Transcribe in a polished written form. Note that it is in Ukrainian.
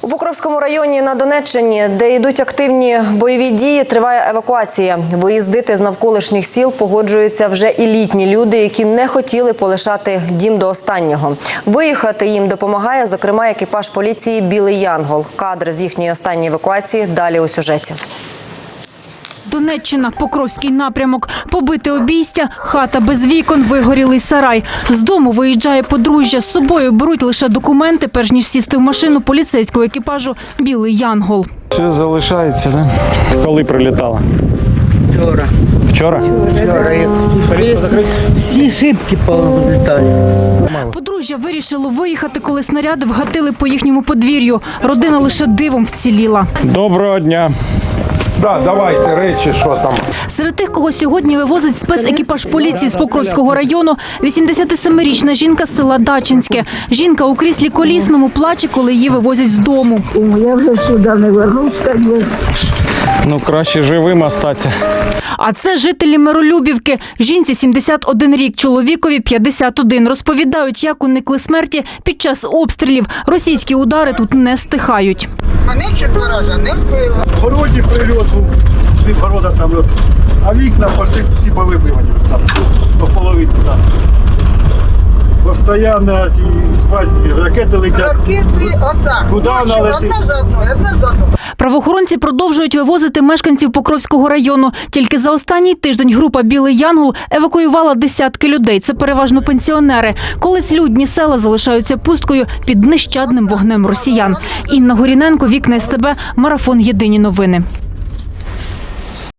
У Покровському районі на Донеччині, де йдуть активні бойові дії, триває евакуація. Виїздити з навколишніх сіл погоджуються вже і літні люди, які не хотіли полишати дім до останнього. Виїхати їм допомагає, зокрема, екіпаж поліції «Білий Янгол». Кадри з їхньої останньої евакуації далі у сюжеті. Донеччина, Покровський напрямок. Побите обійстя, хата без вікон, вигорілий сарай. З дому виїжджає подружжя. З собою беруть лише документи, перш ніж сісти в машину поліцейського екіпажу «Білий Янгол». Все залишається, да? Коли прилітала? Вчора. Вчора? Вчора. Всі шибки повилітали. Подружжя вирішило виїхати, коли снаряди вгатили по їхньому подвір'ю. Родина лише дивом вціліла. Доброго дня. Да, давайте речі, що там. Серед тих, кого сьогодні вивозить спецекіпаж поліції з Покровського району, 87-річна жінка з села Дачинське. Жінка у кріслі колісному плаче, коли її вивозять з дому. Я вже сюди не вернуся. Ну, краще живим остатися. А це жителі Миролюбівки. Жінці 71 рік, чоловікові 51. Розповідають, як уникли смерті під час обстрілів. Російські удари тут не стихають. Мене 4 рази не вбило. В городі прильот був, пів города там, а вікна почти всі повибивані там, по половинку там. Постоянно спать, ракети летять. Ракети отак. Куди вона летить? Одна за одною, одна за одною. Правоохоронці продовжують вивозити мешканців Покровського району. Тільки за останній тиждень група «Білий Янгол» евакуювала десятки людей. Це переважно пенсіонери. Колись людні села залишаються пусткою під нещадним вогнем росіян. Інна Горіненко, Вікна СТБ, Марафон. Єдині новини.